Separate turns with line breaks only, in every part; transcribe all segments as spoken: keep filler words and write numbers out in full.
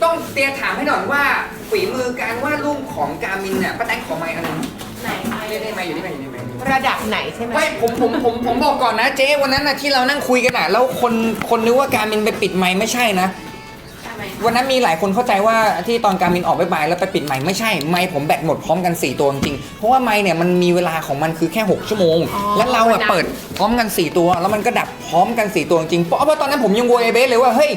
ต้องเตียถามให้หน่อยว่าฝีมือการวาดรูปของกามินเนี่ยป้าแตงขอไมค์อันนึง
ไหน
ได้ได้ไมค์อยู่นี่ไมค์อยู่นี่ไมค์
ระดับไหนใช่ไหม
ไม่ผมผมผมผมบอกก่อนนะเจ๊วันนั้นนะที่เรานั่งคุยกันอ่ะแล้วคนคนนึกว่าการมินไปปิดไมค์ไม่ใช่นะวันนั้นมีหลายคนเข้าใจว่าที่ตอนการมินออกไปบายแล้วไปปิดไมค์ไม่ใช่ไมค์ผมแบตหมดพร้อมกันสี่ตัวจริงๆเพราะว่าไมค์เนี่ยมันมีเวลาของมันคือแค่หกชั่วโมงแล้วเราอ่ะเปิดพร้อมกันสี่ตัวแล้วมันก็ดับพร้อมกันสี่ตัวจริงๆเพราะว่าตอนนั้นผมยังโวยไอเบสเลยว่าเฮ้ย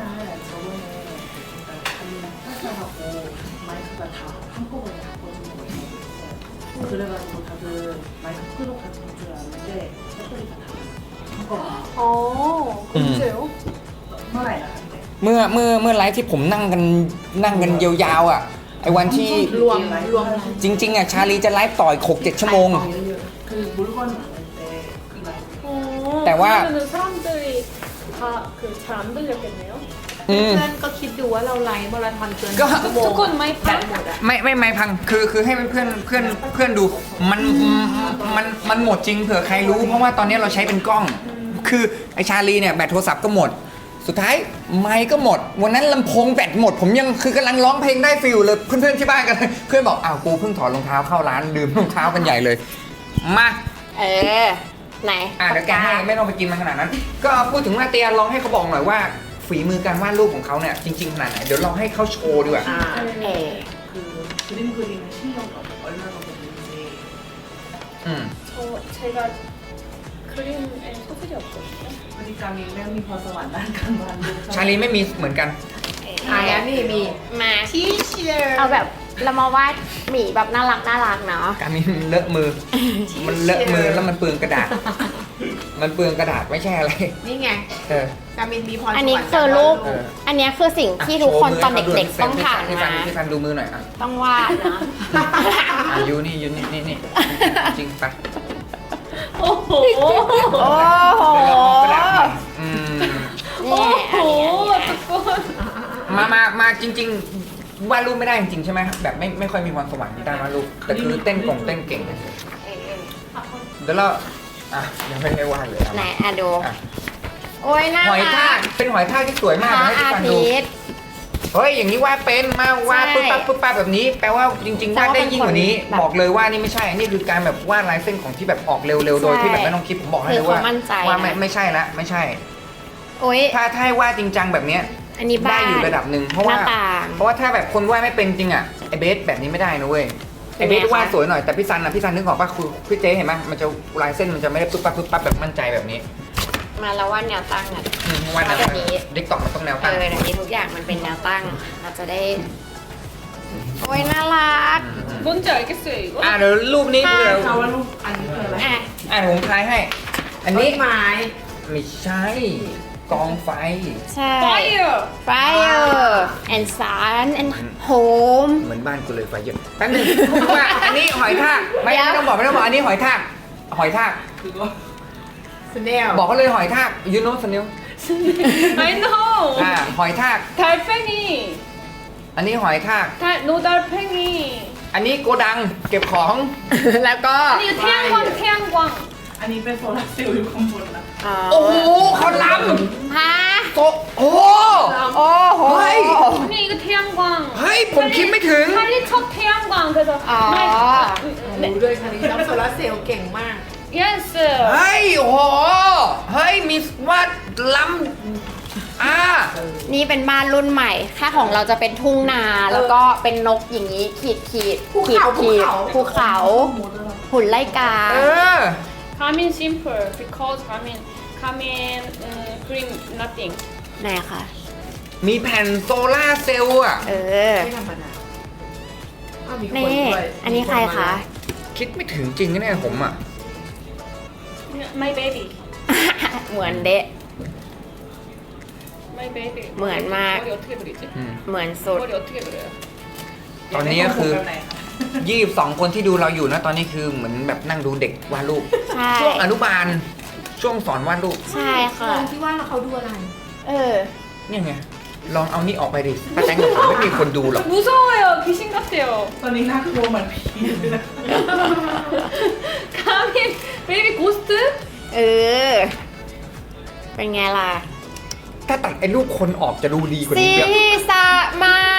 그래가지고 다들 많이 끄러 갔던 줄 알았는데 배터리가 다 한꺼번에
어, 언제요?
เมื่อไหร่ล่ะครับ
เมื่อเมื่อเมื่อไลฟ์ที่ผมนั่งกันนั่งกันยาวๆอ่ะไอ้วันที่
รวมรวม
จริงๆอ่ะชาลีจะไลฟ์ต่ออีกหกเจ็ดชั่วโมง
그 물건 많을 때그 라이브
어,
대화.
그러면은 사람들이 다 그 잘 안 들렸겠네요.
อืม
เพื่อนก็คิดดูว่าเราไลฟ์มาราธอนเกิน
ก็
ชั่วโมง
ทุกคนไม่พั
แบ
ก
ตหมดอ่ะ
ไม่ไม่ไม่พังคือคือให้เพื่อนเพื่อนเพื่อนดูมันมันมันหมดจริงเผื่อใครรู้ เพราะว่าตอนนี้เราใช้เป็นกล้อง คือไอชาลีเนี่ยแบตโทรศัพท์ก็หมด สุดท้ายไมค์ก็หมด วันนั้นลำโพงแบตหมด ผมยังคือกำลังร้องเพลงได้ฟิลเลยเพื่อนๆที่บ้านกันเพื่อนบอกอ้าวกูเพิ่งถอดรองเท้าเข้าร้านลืมรองเท้ากันใหญ่เลยมา
เออ ไหน
อ่ะเดี๋ยวแกให้ไม่ต้องไปกินมันขนาดนั้น ก็พูดถึงว่าเตียลองให้เขาบอกหน่อยว่าฝีมือการวาดรูปของเขาเนี่ยจริงๆขนาดไหนเดี๋ยวลองให้เขาโชว์ดีกว่า
อ่าเออ
그 그림 그리는 실력이 얼마나 되는지
อืม
저 제가 그림에 소질이 없거든요.
그러니까 맹이 벌써 만난 만든
ชาลีไม่มีเหมือนกัน
อ่านี่มี
มา
ทีเชียร์
เอาแบบเรามาวาดหมีแบบน่ารักน่ารักเนาะ
การมีเลอะมือ มันเลอะมือแล้วมันเปลืองกระดาษ มันเปลืองกระดาษไม่ใช่อะไร
นี่ไง
เออ
กามินมีพรสวรรค์
อันนี้คือรูป
เออ
อันนี้คือสิ่งที่ทุกคนตอนเด็กๆต้องผ่าน
พี่
มา
ฟันพี่ฟันดูมือหน่อยอ่ะ
ต้องวาดนะ
อ่ะยูนี่ยูนี่นี่นี่จริงไป
오호.
โอ้โห
เดี๋ยวเราเอากระดาษมาอืม
นี่อันนี้อันนี้
오호. 두꺼운.
มามามาจริง ๆวาดรูปไม่ได้จริงๆใช่ไหมแบบไม่ไม่ค่อยมีความสวรรค์ที่ด้านวาดรูปแต่คือเต้นกงเต้นเก่งเดี๋ยวเราอ่ะยังไม่ได้วาดเลยเอา
ไหน
มา
อ่ะดู
อ่ะ
โอ้ยน่า
หอย
รั
ทาก กเป็นหอยทากที่สวย
พ
มาก
ระ
ให้ทุก
อา
คนดู
ทิตย์
เฮ้ยอย่างนี้วาดเป็นมาวาด
ใช่
ปุ๊บปั๊บปุ๊บปั๊บแบบนี้ แปลว่าจริงๆวาดได้ยิ่งกว่านี้
แต่ว่าเป็นคนแบบ
บอกเลยว่านี่ไม่ใช่นี่คือการแบบวาดลายเส้นของที่แบบออกเร็วๆโดยที่แบบไม่ต้องคิดผมบอกให้
คื
เล
อย
ว่า
เขามั่นใจ
ว่าไม่
นะ
ไม่ใช่ละไม่ใช่
โอ้ย
ถ้าถ้าให้วาดจริงจังแบบเนี้ย
อันนี้
ได้
บ้าน
อยู่ระดับหนึ่งเพราะว่า
หน้าต่าง
เพราะว่าถ้าแบบคนวาดไม่เป็นจริงอ่ะไอเบสแบบนี้ไม่ได้นะเว้ย
เป็
ไอน
ไง
เบสวาด
คะ
สวยหน่อยแต่พี่ซันอ่ะพี่ซันนึกออกป่ะคือพี่เจ๊เห็นไหมมันจะลายเส้นมันจะไม่ได้ปุ๊บปั๊บปุ๊บปั๊บแบบมั่นใจแบบนี้
มาแล้ววาดแนวตั้งอ่ะ
อืมเพราะว่าแนว
แบบนี้
เด็กตอกมันต้องแนว
เอ
ตั้ง
อเดี๋ยวนี้ทุกอย่างมันเป็นแนวตั้ง เราจะได้ โอ้ยน่ารัก
뭔지 알겠어요 이거?
อ่ะเดี๋ยวรูปนี้เดี๋ยว
자와루 아니 그래
อ่ะ
อ่ะผมทายให้ อัน
ต้
นี้
นไม้
ไม่ใช่กองไฟ
ใช่
Fire.
fire and sun and home
เหมือนบ้านกูเลยไฟเยอะแป๊บนึงว่าอันนี้หอยทากไม่
เดี๋ยว
ไม่ต้องบอกไม่ต้องบอกอันนี้หอยทากหอยทาก
그거
สเนล
บอกเขาเลยหอยทากยูโนสเนล
I know.
อ่าหอยทาก
달팽이.
อันนี้หอยทาก
달 노달팽이.
อันนี้โกดังเก็บของ
แล้วก็
아니 이거 태양광 태양광.
아니 왜 소라세우 컴보나
อ๋อ
โอ้โหเขาล้
ฮะ
ำโตโอ้โห
โอ้โห
เฮ้ย
아니 이거 태양광.
เฮ้ยผมคิดไม่ถึง
빨리 첫 태양광 그래서.
아.
네.
ดูด้วยคันนี้ชอบโซลาร์เซลล์เก่งมาก
Yes.
เฮ้ยโอ้โหเฮ้ยมีวาดล้ำอ่า
นี่เป็นบ้านรุ่นใหม่ ค่าของเราจะเป็นทุ่งนา แล้วก็เป็นนกอย่างนี้ ขีดขีด
ภู
ขีด
เขา
ขีด
ภู
ภู
เขา
เขา หุ่นไล่กา
เออ
가민 simple because 가민 가민 음, 그림 nothing.
ไหนคะ
มีแผ่นโซล่าร์เซลล์อ่ะ
เออ
ไม่ธรรมดาอ้าวมีคน
นี่
ด้วย
อันนี้ใครคะ
คิดไม่ถึงจริงนะเนี่ยผมอ่ะ
My baby.
เหมือนเดะ
My baby.
뭐야, 인마.
머리 어떻게 그리지?
อืม
เหมือนสุด
머리 어떻게 그려요?
ตอนนี้ก็คือ
แบบไหนคะ
ยี่สิบสองคนที่ดูเราอยู่นะตอนนี้คือเหมือนแบบนั่งดูเด็กวาดรูป
ใช่
ช่วงอนุบาลช่วงสอนวาดรูป
ใช่ค่ะ
ลองที่ว่าแล้วเขาดูอะไร
เออ
เนี่ยไงลองเอานี่ออกไปดิป้าแตงกับผมไม่มีคนดูหรอก
무서워요. 귀신 같아요.
ตอนนี้น่ากลัวเหมือนผีเลยนะ
가민 베이비 고스트?
เออ เป็นไงล่ะ
ถ้าตัดไอ้รูปคนออกจะดูดีกว่า
ซี
นี้เยอะ
สะมา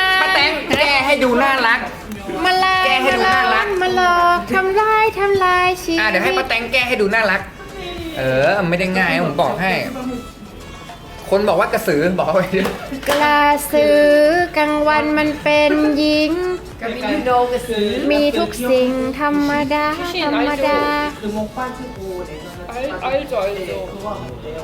น่ารัก
มาลา
แก้ให้ดูน่ารัก
มาหลอกทำลายทำลายชีวิต
อ่ะเดี๋ยวให้ป้าแตงแก้ให้ดูน่ารัก เออไม่ได้ง่ายผมบอกให้ คนบอกว่ากระสือบอกเอาไว้ดิ
กระสือกลางวันมันเป็นหญิง
ก็มียูโนกระสือ
มีทุกสิ่งธรรมดาธรรมดา
그 목반 쓰고 내가
알, 알죠 알죠.
그거 하면 돼요.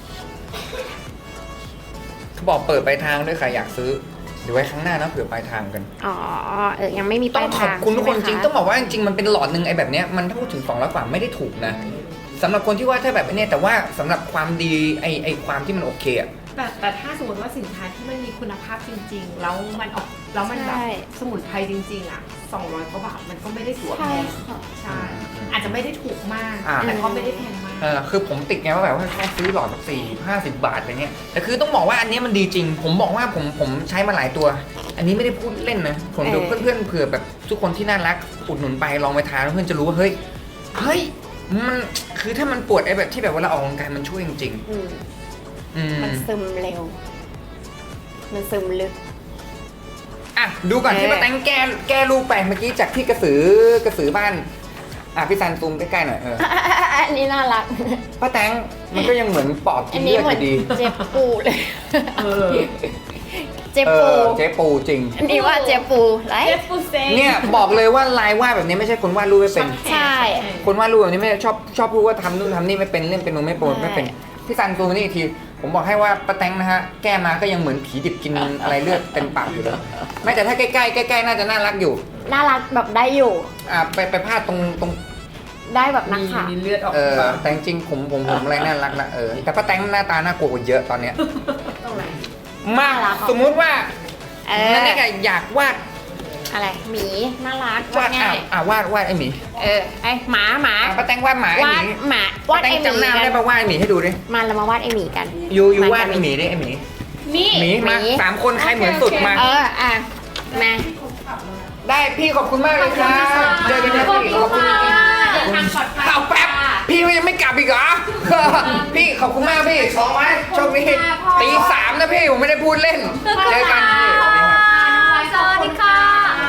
เขาบอกเปิดปลายทางด้วยค่ะอยากซื้อเดี๋ยวไว้ครั้งหน้านะเผื่อปลายทางกัน
อ๋อเออยังไม่มีป
ต้อ
ลาง ย
ขอบ
ทาง
คุณทุกคนจริง
ใช่ไหมะ
ต้องบอกว่าจริงๆมันเป็นหลอดหนึ่งไอ้แบบเนี้ยมันถ้าพูดถึงสองร้อยกว่าไม่ได้ถูกนะสำหรับคนที่ว่าถ้าแบบเนี้ยแต่ว่าสำหรับความดีไอ้ไอ้ความที่มันโอเคอะ
แต่แต่ถ้าสมมติว่าสินค้าที่มันมีคุณภาพจริง ๆ แล้วมันออกแล้วมันแบบ
ใช่
สมุนไพรจริง ๆ อ่ะสองร้อยกว่าบาทมันก็ไม่ได้ถือว่าแพ
ใช่
ง
ค่ะ
ใช่ อาจจะไม่ได้ถูกมาก
อ่า
แต่ก็ไม่ได้แพงมาก
เออคือผมติดไงว่าแบบว่าแค่ซื้อหลอดแบบสี่ห้าสิบบาทอะไรเงี้ยแต่คือต้องบอกว่าอันเนี้ยมันดีจริง ผมบอกว่าผมผมใช้มาหลายตัว อันนี้ไม่ได้พูดเล่นนะผมดู
เออ
เพื่อนๆเผื่อแบบทุกคนที่น่ารักอุดหนุนไปลองไปทานแล้วเพื่อนจะรู้ว่าเฮ้ยเฮ้ยมันคือถ้ามันปวดไอ้แบบที่แบบเวลาออกกำลังกายมันช่วยจริง
อืม
ๆอืม
มันซึมเร็ว มันซึมลึก
อ่ะดูก่อน
เออ
ที่ป้าแตงแก้แก้ลูกไปเมื่อกี้จากที่กระสือกระสือบ้านอ่ะพี่ซันซูมใกล้ๆหน่อยเออ
อันนี้น่ารัก
ป้าแตงมันก็ยังเหมือนปอบกิ
อั
น
น
เลื
นี้
อด
เห
อ
มือน
ยู่ดี
เจ็บปูเลย
어.
เจ็บ
เอ
ปู
อเจ๊ปูจริง
อันนี้ว่าเจ็บปูไร
예쁘세.
เนี่ยบอกเลยว่าลายวาดแบบนี้ไม่ใช่คนวาดรูปไม่เป็น
ใช่
คนวาดรูปแบบนี้ไม่ชอบชอบพูดว่าทำนู่นทำนี่ไม่เป็นเล่นเป็นโนไม่โปรไม่เป็นพี่ซันซูมนี่อีกที ผมบอกให้ว่าป้าแตงนะฮะแก้มาก็ยังเหมือนผีดิบกินอะไรเลือดเต็มปากอยู่เลยไม่แต่ถ้าใกล้ๆใกล้ๆน่าจะน่ารักอยู่
น่ารักแบบได้อยู่
อ่ะไปไปพาดตรงตรง
ได้แบบนัก
มี
ข่าว
มีเลือดออก
เออ
มา
แต่จริงๆผมผมผมอะไรน่ารักนะเออแต่ป้าแตงหน้าตาน่ากลัวกว่าเยอะตอนเนี้ย
ตรงไหน
มา
น่ารักอ่ะ
สมมุติว่า
เอ
นั่น
อ
นี่ไงอยากวาด
อะไรหมีน่ารัก
วาด
ง่า
อ่ะ
ย
อ่ะวาดวาดไอหมี
เออไอหมาหมา
อ่ะป้าแตงวาดหมาไอ
วา
ห
ด
มี
หมาวาด
ป้าแต
ไอง หมี
จำหน้า
กั
ได้
น
ปะวาดไอหมีให้ดูดิ
มาเรามา วาดไอหมีกัน
ยูยู
ม
วาด
กั
ไอน หมีดิไอหมี
미.
หมีมา
หมี
สามคนใครเหมือนสุดมา
เอออ่ะมา
ได้พี่ขอบคุณมากเลยครับเจอกันนะพี่ขอบคุณจริงๆ
เดินทางปลอดภัย
เอาแป๊บพี่ยังไม่กลับอีกเหรอ พี่ขอบคุณมากพี่สองไว้โชคดีตีสามนะพี่ผมไม่ได้พูดเล่นเจอกันพี่สวัสดีครับ
สวัสดีค่ะ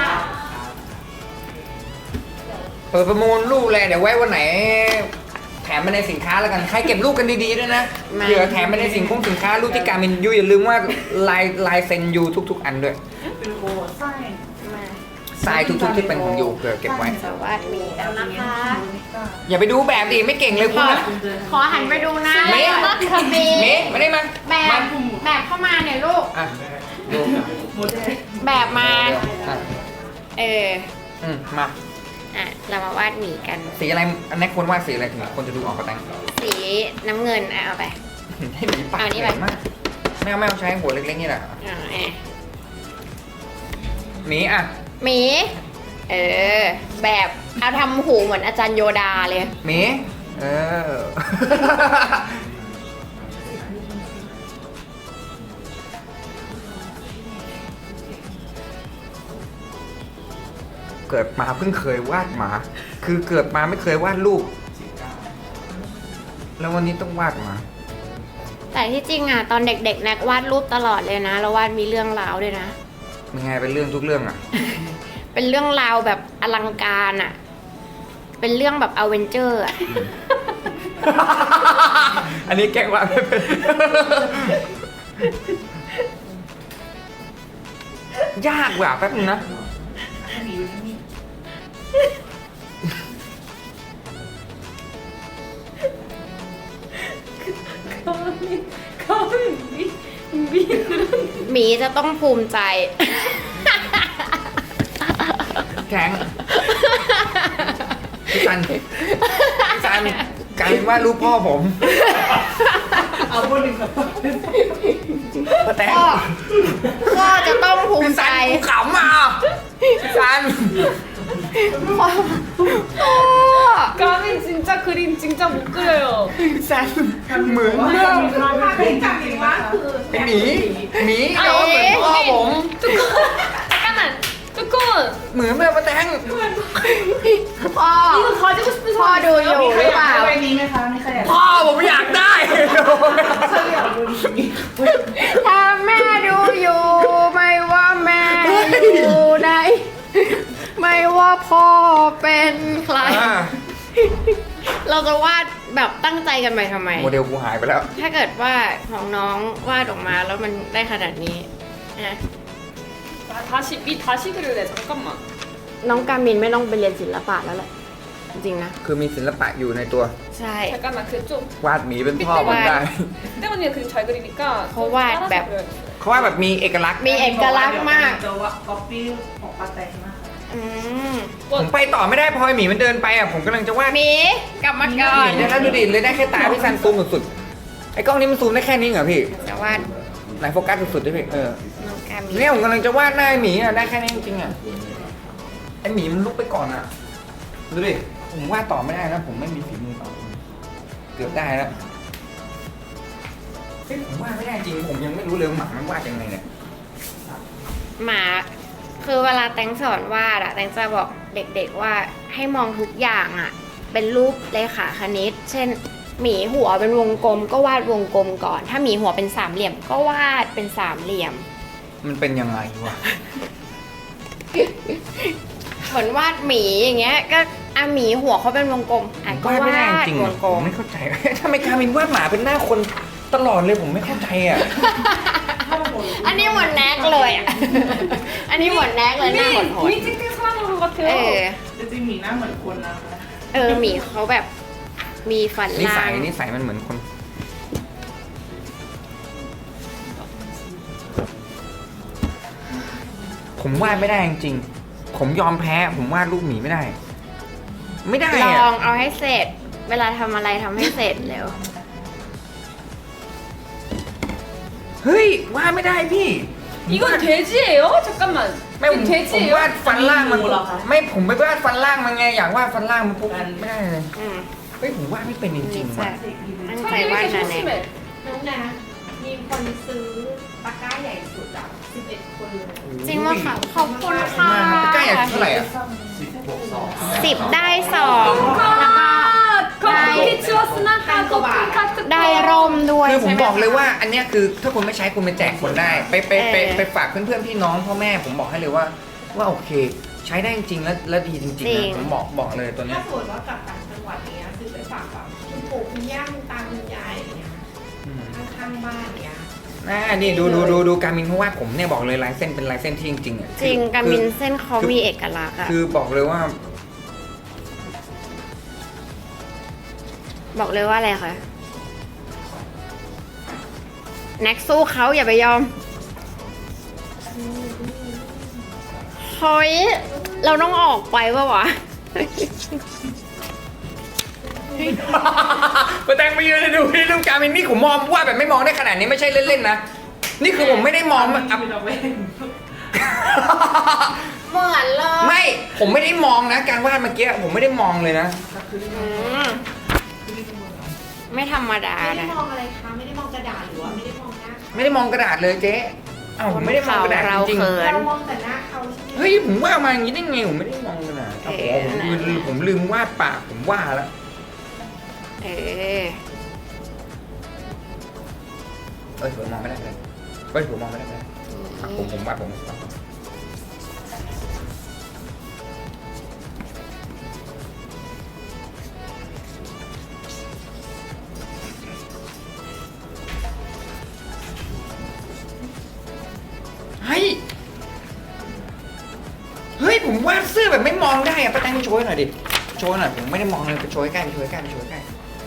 เปิดประมูลลูกเลยเดี๋ยวไว้วันไหน แถมมาในสินค้าแล้วกันใครเก็บลูกกันดีๆด้วยนะ
มา
เผื่อแถมมาในสินค้าสินค้าลูกที่การมินยูอย่าลืมว่าลายลายเซ็นยูทุก ๆ อันด้วย
그리고 사인
มา
ทรายทุกๆที่เป็นของยูเผื่อเก็บไว้
สวัสดีกันนะคะ
좋으니까
อย่าไปดูแบบดิไม่เก่งเลยคุณนะ
ขอหันไปดูนะ
เมย์
ก็คือมี
เมย์มาได้มา
แบบ
มา
แบบเข้ามาเนี่ยลูก
อ่ะดู
모델
แบบมา
อ่ะ
เออ
อืมมา
อ่ะ เรามาวาดหมีกัน
สีอะไรอันนี้ควรวาดสีอะไรถึงคนจะดูออกกระตัง
สีน้ำเงินอ่ะเอาไป
ให้หมีปาก
เอานี่
ให
ไป
ญ่มากไม่เอาไม่เอาใช้หัวเล็กๆนี่แหละ
อ่ะแอะ
หมีอ่ะ
หมี เออ แบบเอาทำหูเหมือนอาจารย์โยดาเลย
หมีเออ เกิดมาเพิ่งเคยวาดหมา คือเกิดมาไม่เคยวาดรูป แล้ววันนี้ต้องวาดหมา
แต่ที่จริงอ่ะ ตอนเด็กๆแน็กวาดรูปตลอดเลยนะ แล้ววาดมีเรื่องราวด้วยนะ
มันไงเป็นเรื่องทุกเรื่องอ่ะ
เป็นเรื่องราวแบบอลังการอ่ะ เป็นเรื่องแบบอเวนเจอร์อ่ะ
อันนี้แกล้งวาดไม่เป็น ยากว่ะแป๊บนึงนะ
가민 가민 미 미들은
หมีจะต้องภูมิใจ
แข็งพี่ซันพี่ซันกลายเป็นว่ารูปพ่อผม
아버님 같아.
ป้าแตง
พ่อ พ่อจะต้องภูมิ
พี่
ใจ
ซันกูขำอ่ะพี่ซัน
พ่อ
가민 진짜 그림 진짜 못 그려요.
พี่ซันเหมือนมาก
ภาพที่จำเป็นว่าคือ
ไอหมีหมีแต่ว่าเหมือนพ่อผม
잠깐만 뚜콘
เหมือนแบบป้าแตง
พ่อ
이거 가지고 싶은
พ่อ
사람
ดูอยู่
있어요?
หรือเปล่า
아버님의 사람이 가야
พ่อผมอยากได้
저희 아버님이
ถ้าแม่ดูอยู่ ไม่ว่าแม่อยู่ไหนว่าพ่อเป็นใคร
อ่า
เราจะวาดแบบตั้งใจกันไปทำไม
โมเดลกูหายไปแล้ว
ถ้าเกิดว่าของน้องวาดออกมาแล้วมันได้ขนาดนี้นะ
아, 다시 밑 다시 그릴래. 잠깐만.
น้องกามินไม่ต้องไปเรียนศิลปะแล้วแหละ จริงๆนะ
คือมีศิลปะอยู่ในตัว
ใช่
잠깐만 그 좀
วาดหมีเป็นพ่อผมได้
때 언니가 그림 잘 그리니까 좀
거와,
따라서
맵.
그려야겠어요.
เขาว่าแบบมีเอกลักษณ์
มีเอกลักษณ์มาก
จะว่าก๊อปปี้ของป้าแตงมาก
อืม
ผมไปต่อไม่ได้พอไอ้หมีมันเดินไปอ่ะผมกำลังจะวาด
หมีกลับมาก่อน
เดี๋ยวนะดูดิเลยได้แค่ตาพี่ซันซูมสุดๆไอ้กล้องนี้มันซูมได้แค่นี้เหรอพี่
จะวาด
ไหนโฟกัสสุดๆด้วยพี่เออ
น้องกามิน
เนี่ยผมกำลังจะวาดหน้าไอ้หมีอ่ะได้แค่นี้จริงๆอ่ะไอ้หมีมันลุกไปก่อนอ่ะดูดิผมวาดต่อไม่ได้นะผมไม่มีฝีมือต่อเกือบได้แล้วเฮ้ยผมวาดไม่ได้จริงผมยังไม่รู้เลยว่าหมามันวาดยังไงเนี่ย
หมาคือเวลาแตงสอนวาดอะแตงจะบอกเด็กๆว่าให้มองทุกอย่างอะเป็นรูปเลขาคณิต เช่น หมีหัวเป็นวงกลมก็วาดวงกลมก่อน ถ้าหมีหัวเป็นสามเหลี่ยมก็วาดเป็นสามเหลี่ยม
มันเป็นยังไงวะ
เหมือนวาดหมีอย่างเงี้ย ก็อ่ะหมีหัวเขาเป็นวงกลมอ่ะก็
วาดไม่ได้
วาด
จริง
ว
อ่ะ
ง
ผ
กล
ม
ม
ไม่เข้าใจ ทำไมการมินวาดหมาเป็นหน้าคนตลอดเลยผมไม่เข้าใจอ่ะ
อันนี้เหมือนแน็กเลยอ่ะ อันนี้เหมือนแน็กเลยหน้าหดหด
미 찍힌 사람인 것
เอ
같아요.
อ
จริงๆหมีหน้าเหมือนคนนะคะ
เออหมีเขาแบบมีฟัน
นิ
ล่า
สัย
ง
นิสัยมันเหมือนคน ผมวาดไม่ได้จริงๆผมยอมแพ้ ผมวาดรูปหมีไม่ได้ ไม่ได้
ล
อะ
องเอาให้เสร็จ เวลาทำอะไรทำให้เสร็จเร็ว
เฮ้ยวาดไม่ได้พี่
이건 돼지예요? 잠깐만.
ไม่ผม
이건
ผม
돼지예요?
วาดฟันล่างมันไม่ผมไม่วาดฟันล่างมันไงอยากวาดฟันล่างมันปุ๊บไม่ได้เลย
อืม
เฮ้ยผมวาดไม่เป็นจริงๆ
ใช่
ว่ะ
ตั้งใจ
사람이
วาด
이렇게
นะแน็ก
심심해.
น้องนะมีคนซื้อตะกร้าใหญ่สุดอ่ะสิบเอ็ดคนเลย
จริงว่าค่ะขอบคุณค่ะ
ใกล้อะเท่าไหร่อะ
สิบได้สองแล้วก็
커피 치웠으나 다 커피 카트
ได้ร่มด้วย
คือผม
ใช่ไห
บอกเลย
คะ
ว่าอันเนี้ยคือถ้าคุณไม่ใช้คุณไปแจกคนได้ ไปไปไป
เออ
ไปฝากเพื่อนๆพี่น้องพ่อแม่ผมบอกให้เลยว่า ว่าโอเค ใช้ได้จริงๆแล้วแล้วดีจริงๆ
จริ
นะ
ง
ผมบอกบอกเลยตัวเนี้
ถ้าย สมมติว่ากลับต่างจังหวัดเนี้ยซื้อไปฝากแบบคุณปู่คุณย่าคุณตาคุณยายอย่างเงี้ย
อืม
ข้างๆบ้านเนี้ย
อ่านี่ดูดูดูดูการมินเพราะว่าผมเนี่ยบอกเลยลายเส้นเป็นลายเส้นที่จริงๆอ่ะ
จริง
คือ
การมิน
คือ
เส้นเขามีเอกลักษณ์อะ
คือบอกเลยว่า
บอกเลยว่าอะไรคะแน็กสู้เขาอย่าไปยอมเฮ้ยเราต้องออกไปปะวะ
มาแตงไปยืนดูที่รูปการมินนี่ผมมองว่าแบบไม่มองได้ขนาดนี้ไม่ใช่เล่นๆนะนี่คือผมไม่ได้มองอ่ะ
มีเราเว้น
เหมือนเลย
ไม่ผมไม่ได้มองนะ การวาดเมื่อกี้ผมไม่ได้มองเลยนะ
อืมไม่ธรรมดา
ไม่ได้
นะ
มองอะไรคะไม่ได้มองกระดาษหรือว่าไม่ได้มองหน้า
ไม่ได้มองกระดาษเลยเจ๊เอ้าผมไม่ได้มองกระดาษ
เรา
จริง
เขิน
เรามองแต่หน้าเขาใช่ไหม
ๆเฮ้ยผมว่ามาอย่างนี้ได้ไงผมไม่ได้มองกระดาษ
เอ
โอ้
อ
โหผมลืมผมลืมวาดปากผมว่าแล้ว
เออ
เอ้ยผมมองไม่ได้เลยเฮ้ยผมมองไม่ได้เลยอ่ะผมผมวาดผมเฮ้ยเฮ้ยผมวาดเสื้อแบบไม่มองได้อะป้าแตงโชว์ให้หน่อยดิโชว์หน่อยผมไม่ได้มองเลยไปโชว์ใกล้ไปโชว์ใกล้ไปโชว์ใกล้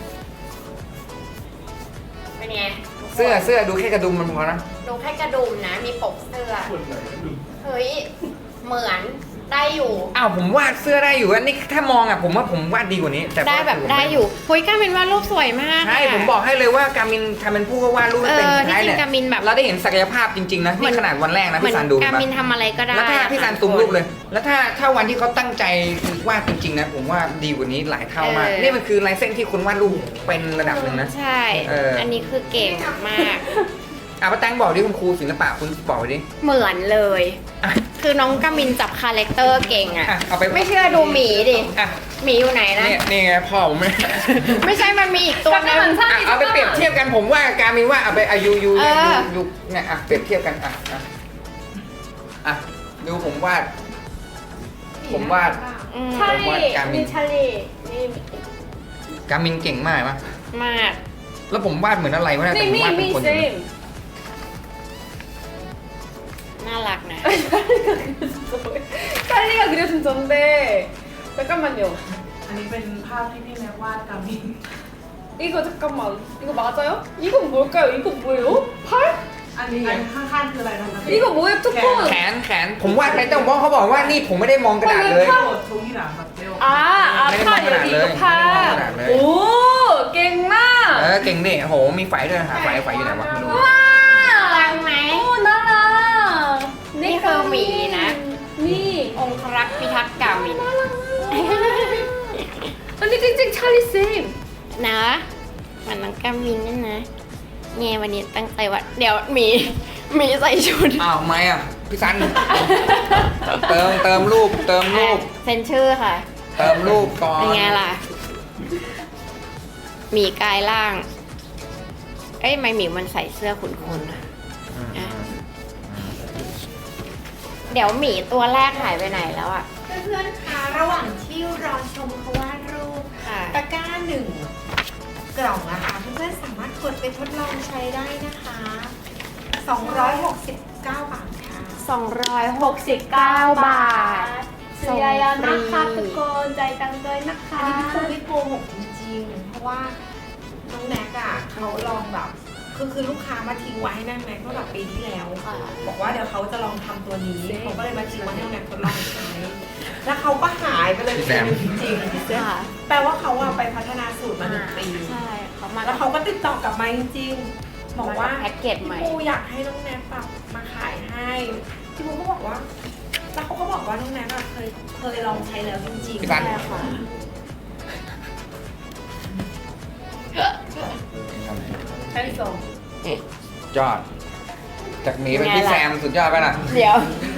เป็นไง
เสื้อเสื้อดูแค่กระดุมมันพอนะ
ดูแค่กระดุมนะ มีปกเสื้อ เฮ้ย เหมือนได้อยู่
อ้าวผมวาดเสื้อได้อยู่อันนี้ถ้ามองอ่ะผมว่าผมวาดดีกว่านี้แต่
ได้แบบได้อยู่เฮ้ยการมินวาดรูปสวยมาก
ใช่
ะ
ผมบอกให้เลยว่าการมินทำเป็นผู้ก็วาดรูปไม่เป็น
เออ
สุดท้ายเนี่ย
ที่จริงการมินแบบ
เราได้เห็นศักยภาพจริงๆนะ
เหมื
นี่
อน
ขนาดวันแรกนะ
เหมือน
พี่ซันดู
การมินทำอะไรก็ได้
แล้วถ้าพี่ซัน
อะ
ซูม
ค่ะ
รูปเลย แล้วถ้าถ้าวันที่เขาตั้งใจคือวาดจริงๆนะผมว่าดีกว่านี้หลายเท่ามาก
เออ
นี่มันคือลายเส้นที่คนวาดรูปเป็นระดับหนึ่งนะ
ใช่
เอออั
อันนี้คือเก่งมาก
อ่ะป้าแตงบอกดิคุณครูศิลปะคุณบอกไปดิ
เหมือนเลย
อ่ะ
คือน้องกามินจับคาแรคเตอร์เก่งอะ
อ่ะเอาไป
ไม่เชื่อดูหมีดิ
อ่ะ
หมีอยู่ไหนนะ
เนี่ยนี่ไงพ่อผม
ไม่ใช่มันมีอีกตัวนึง
잠깐만
อ่ะ
사람이
เอาไปเปรียบเทียบกันผมว่าการมินว่าเอาไปอายุยู
เอ
เนี่ย
อ
ยูยูเนี่ยอ่ะเปรียบเทียบกันอ่ะอ่ะอ่ะดูผมวาด
หมี
ผมวาด
อืม
ผมว่า
찰리,
การมิน
니 찰리. 니,
การมินเก่งมากปะ
มาก
แล้วผมวาดเหมือนอะไรวะเนี่ยแต่
미,
ผมวาด
미,
เป็น
미,
คนอยู่นะ
쌤.
น่ารักนะ
찰리가 그려준 전데. 잠깐만요.
อันนี้เป็นภาพที่พี่แม็กวาดกามิน
이거 잠깐만. 이거 맞아요? 이건 뭘까요? 이거 뭐예요? 팔?
อันนี้อันข้างๆคืออะไรนะคะ
이거 뭐예요? 투폰.
แขนแขนผมวาดไปแต่ว่าเขาบอกว่านี่ผมไม่ได้มองกระดาษเลย
โอ้โชงที่หลังแบบเร็ว
아, 아,
네,
팔
네,
여기
네,
이거
네,
팔.
네.
오,
เอ
깽마.
อเก่งดิโหมีไฟด้วยหาไฟไฟอยู่ไหนวะไม่รู้
와.
รักไหม
오, 나라.
니 그거 미 나?
미.
องครักษ์พิทักษ์กามิน
언니 찡찡 찰리 쌤.
นะมันน้องกามินนี่นะเงวันนี้ตั้งใจว่า เดี๋ยวหมี หมีใส่ชุด
อ้าวไม่อ่ะพี่ซัน เติมเติมรูปเติมรูป
เซ็นชื่อค่ะ
เติมรูปก่อน
เป็นไงล่ะ หมีกายล่าง เอ้ยทำไม่หมีมันใส่เสื้อขุนๆอะ
อืม
อ่ะ เดี๋ยวหมีตัวแรกหายไปไหนแล้วอ่ะ
เพื่อนๆคะระหว่างที่รอชมเขาวาดรูป
ค่ะ
ตะกร้าหนึ่งกล่องนะคะเพื่อนๆสามารถกดไปทดลองใช้ได้นะคะสองร้อยหกสิบเก้าบาทค่ะ
สองร้อยหกสิบเก้าบาท
수야야
송
나카
프리.
두콘 짜이땅도이
อันนี้พี่ปู
나카.
ไม่โกหกจริงๆ เพราะว่าน้องแน็กอะเขาลองแบบคือคือลูกค้ามาทิ้งไว้ให้นั่นแน็กเมื่อแบบปีที่แล้ว
ค่ะ
บอกว่าเดี๋ยวเขาจะลองทำตัวนี้เขาก็เลยมาทิ้งไว้ให้น้องแน็กทดลองใช้ แล้วเขาก็หายไปเลยจริงๆ
ค่ะ
แปลว่าเขาอะไปพัฒนาสูตรมาหนึ่งปี
ใช่เขามา
แล้วเขาก็ติดต่อกลับมาจริงๆ บอกว่า
แพ็กเกจใหม่
พี่ปูอยากให้น้องแน็กแบบมาขายให้พี่ปูก็บอกว่า แล้วเขาก็บอกว่าน้องแน็กอะเคยเคยลองใช้แล้วจริงๆ
พี่ซัน
ใช่ค่ะ
잘했어.
ยอด จากหมีเป็นพี่แซมสุดยอดไปนะ
เดี๋ยว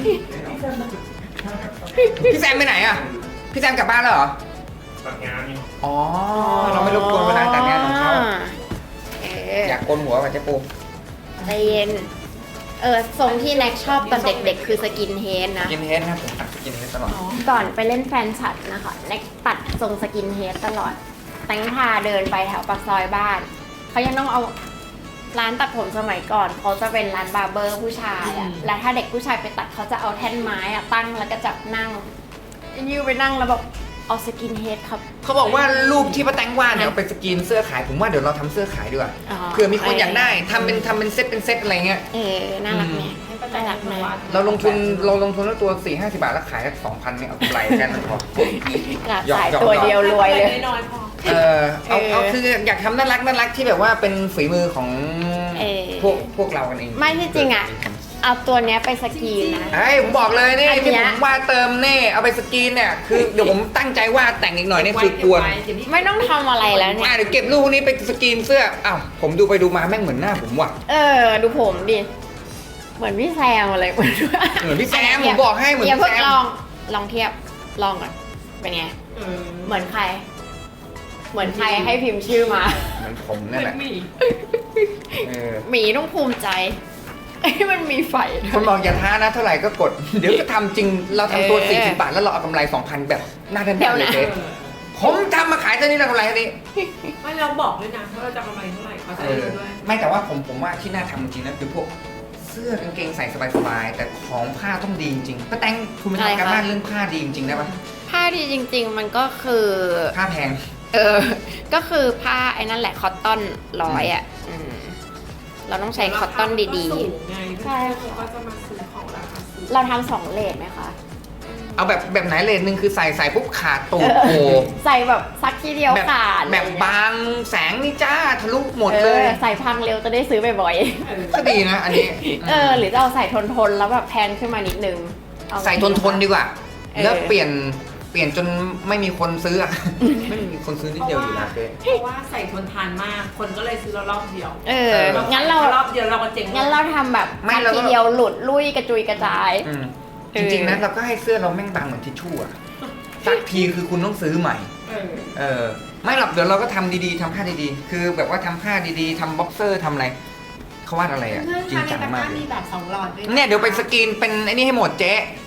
พี่แซมไปไหนอ่ะ พี่แซมกลับบ้านแล้วเหรอ
ตัดงานนี่
อ๋อ เราไม่รบกวนเวลาแต่งงานของเขา
เออ
อยากโกนหัวกับเจ๊ปู
ใจเย็น เออทรงที่แน็กชอบตอนเด็กๆ คือสกินเฮดนะ
กินเฮดนะผมตัดกินเฮดตลอด
ก่อนไปเล่นแฟนฉัดนะคะแน็กตัดทรงสกินเฮดตลอด แตงพาเดินไปแถวปากซอยบ้าน เขายังต้องเอาร้านตัดผมสมัยก่อน เขาจะเป็นร้านบาร์เบอร์ผู้ชายอะแล้วถ้าเด็กผู้ชายไปตัดเขาจะเอาแท่นไม้อะตั้งแล้วก็จับนั่งยูไปนั่งแล้วแบบเอาสกินเฮดครับ
เขาบอกว่ารูปที่ป้าแตงวาดเนี่ยเอาไปสกรีนเสื้อขาย ผมว่าเดี๋ยวเราทำเสื้อขายดีกว่า
อ๋อ
เผื่อมีคนอยากได้ทำเป็นทำเป็นเซตเป็นเซตอะไรเงี้ย
เออ น่ารักไหม
ให้ประ
น่า
จำ
รักไหม
วัด
เราลงทุนเราลงทุนแล้วตัวสี่ห้าสิบบาทแล้วขายสักสองพันเนี่ยเอากำไรกันพอ
กระ
หยอก
สาย
หยอก
ตัวเดียวรวยเลย
น้อยๆพอ
เออเอา
เออ
เอาคืออยากทำน่ารักน่ารักที่แบบว่าเป็นฝีมือของ
เออ
พวกพวกเรากันเอง
ไม่ที่จริงอะเอาตัวเนี้ยไปสกรีนนะ
ไอ้ยผมบอกเลยนี่
อันเนี้ย
ที่ผมวาดเติมเน่เอาไปสกรีนเนี่ยคือเดี๋ยวผมตั้งใจวาดแต่งอีกหน่อยเนี่ยคือกวน
ไม่ต้องทำอะไรแล้วเนี่ย
อ่ะเดี๋ยวเก็บรูปพวกนี้ไปสกรีนเสื้ออ้าวผมดูไปดูมาแม่งเหมือนหน้าผมว่ะ
เออ ดูผมดิ เหมือนพี่แซมอะไรเหมือน
เหมือนพี่แซมผมบอกให้เหมือน
อย่า
พี่
เพิ่ง
แซม
ลอง ลองเทียบ ลองก่อน เป็นไง เหมือนใคร เหมือนใครให้พิมพ์ชื่อมา
เหมือนผมนั่นแหละเออ
หมีต้องภูมิใจ มันมีไฟด้วย
คนบอกอย่าท้านะเท่าไหร่ก็กด เดี๋ยวจะทำจริงเราทำตัว
เออ
สี่สิบบาทแล้วเราเอากำไรสองพันแบบหน้าด้าน
เดี๋ยว
ๆเลย
นะ
เจ๊ผมทำมาขายเท่านี้เรากำไรเท่านี้
ไม่เราบอกด้วยนะว่าเราจะกำไรเท่าไหร่เขาจะ
เอ
ได้
อ
รู้ด้วย
ไม่แต่ว่าผมผมว่าที่น่าทำจริงๆนะคือพวกเสื้อกางเกงใส่สบายๆแต่ของผ้าต้องดีจริงๆป้าแตงคุณไปทำการบ้านเรื่องผ้าดีจริงๆได้ปะ
ผ้าดีจริง ๆ มันก็คือ
ผ้าแพง
เออ ก็คือผ้าไอ้นั่นแหละคอตตอนร้อยอ่ะอืมเราต้องใช้คอตตอนดี
ๆใช่เขาก็จะมาซื้อของราคาสูง
ๆ เราทำสองเลทไหมคะ
เอาแบบแบบไหนเลนหนึ่งคือใส่ใส่ปุ๊บขาดตูดโผล่
ใส่แบบซักทีเดียว
แบบ
ขาด
แบบบางแสงนี่จ้าทะลุหมด
เอ
เล
อย ใส่พังเร็วจะได้ซื้อบ่อย
ก็ดีนะอันนี้
ๆ เออ หรือจะเอาใส่ทนๆ แล้วแบบแพงขึ้นมานิดนึงเอา
ใส่ทนทนๆดีกว่า
เออ
แล้วเปลี่ยนเปลี่ยนจนไม่มีคนซื้ออะ ไม่มีคนซื้อนิดเดียวอยู่นะเจ๊
เพราะว่าใส่ทนทานมาก คนก็เลยซื้อเรารอบเดียว
เออ งั้นเรา
รอบเดียวเราก็เจ๋ง
งั้นเราทำแบบซักทีเดียวหลุดลุยกระจุยกระจาย
อืม
เอ
จ
อ
ริงๆนะเราก็ให้เสื้อเราแม่งบางเหมือนทิชชู่อะสักทีคือคุณต้องซื้อใหม่
เออ
เออไม่หรอกเดี๋ยวเราก็ทำดีๆทำผ้าดีๆ คือแบบว่าทำผ้าดีๆทำบ็อกเซอร์ทำอะไรเขาวาดอะไรอ่ะ
เพื่อน
จริง
คะใน
จัง
ตะก
มา
ร้าก
เลย
มีแบบสองหลอดด้วยะ
เนี่ยเดี๋ยวไปสกรีนเป็นไอ้นี่ให้หมดเจ๊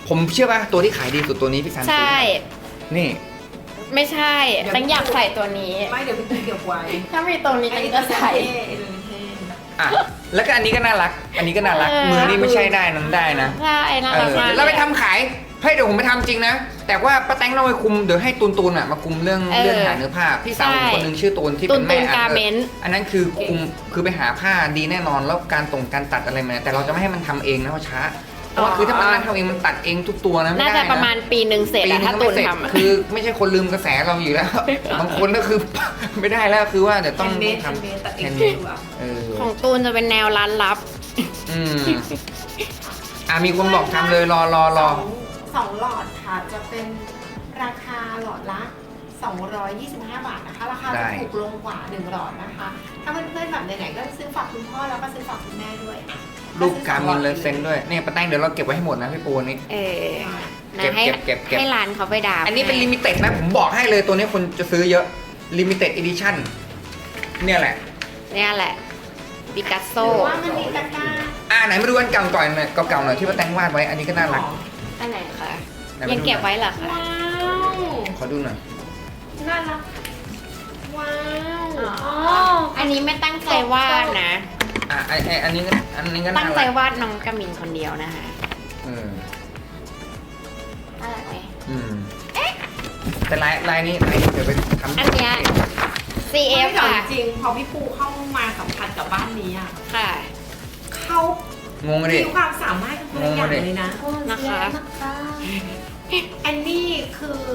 ผมเชื่อป่ะตัวที่ขายดีสุดตัวนี้พี่ซัน
ใช่
นี่
ไม่ใช่แตงอยากใส่ตัวนี้
ไม่เดี๋ยวพี่เก็บไว้
ถ้ามีตัวนี้แตงก็ใส่
ไอ้ตัวนี้เท่
อ่ะแล้วก็อันนี้ก็น่ารัก อันนี้ก็น่ารัก
เออ
มือนี่ไม่ใช่ได้นั้นได้นะ
ใช่น่า
เอ
รัก
อ
มาก
แล้วไปทำขายให้เดี๋ยวผมไปทำจริงนะ แต่ว่าป้าแตงต้องไปคุมเดี๋ยวให้ตูนตูนอ่ะมาคุมเรื่องเรื่องหาเนื้อผ้าพี่สาวผมคนหนึงชื่อตูนที่เป็นแม่
ตูนตูน
อ่ะ
การเมนต์
อันนั้นคือคุมคือไปหาผ้าดีแน่นอนแล้วการตรงการตัดอะไรมาแต่เราจะไม่ให้มันทำเองนะเพราะช้าเพราะว่าคือถ้ามันนั่งทำเองมันตัดเองทุกตัวนะไม่
น่า
ได้
จะ
นะ
ประมาณปีหนึ่งเสร็จ
ปี
อะ
นึ
ถ้าง
ก็
ตู
ไม่
น
เสร็จ
ทำอะ
คือไม่ใช่คนลืมกระแสเราอยู่แล้ว บางคนก็คือ ไม่ได้แล้วคือว่าเดี๋ยวต้อง
เมด
ทำ
เมดตัดเอ
แฮ
ง
นด์เม
ดี
ด
กว่า
เออ
ของตูนจะเป็นแนวร้านลับ
อืมอ่ะมีคนบอกทำเลยรอรอรอ
สองสองหลอดค่ะจะเป็นราคาหลอดละสองร้อยยี่สิบห้าบาทนะคะ ราคา
ได้
จะถูกลงกว่าหนึ่งหลอดนะคะ ถ้าเพื่อนๆแบบไหนๆก็ซื้อฝากคุณพ่อแล้วก็ซื้อฝากคุณแม่ด้วย
รูปการมินเลยเซ็นด้วยเนี่ยป้าแตงเดี๋ยวเราเก็บไว้ให้หมดนะพี่ปูนี่
เออ
เก็
นะ
บ
ให้
เก็บเก็บเก็บ
ให้ร้านเขาไปด่า
อันนี้เป็นลิมิเต็ดนะผมบอกให้เลยตัวนี้คนจะซื้อเยอะลิมิเต็ดอีดิชั่นเนี่ยแหละ
เนี่ยแหละปิกัสโซ
หรือว่ามันมีตะกร้า
อ่าไหนมาดูอันเก่าก่อนหน่อยเก่าๆหน่อยที่ป้าแตงวาดไว้อันนี้ก็น่ารัก
อันไหนคะ
ไหนมาดูหน่อย
ยังเก็บไว้เหรอคะ
ว้าว
ขอดูหน่อย
น่ารักว้าว
อ๋อ
อันนี้ไม่ตั้งใจวาดนะ
อ่ะไอไออันนี้ก็อันนี้ก็
ตั้
น่าง
ใจ
รัก
วาดน้องกามินคนเดียวนะคะ
เออ
น่ารักไหม
อืมแต่ลายลายนี้ลายนี้เดี๋ยวไปทำ
อันเนี้ย ซี เอฟ
ไม่หรอก
ค่ะ
จริงๆพอพี่ปูเข้ามาสัมผัสกับบ้านนี้อ่ะ
ค่ะ
เขา
งงเลยดิ
มีความสามารถกันคนละอย่างเลยนะ
นะคะ
แอนนี่คือ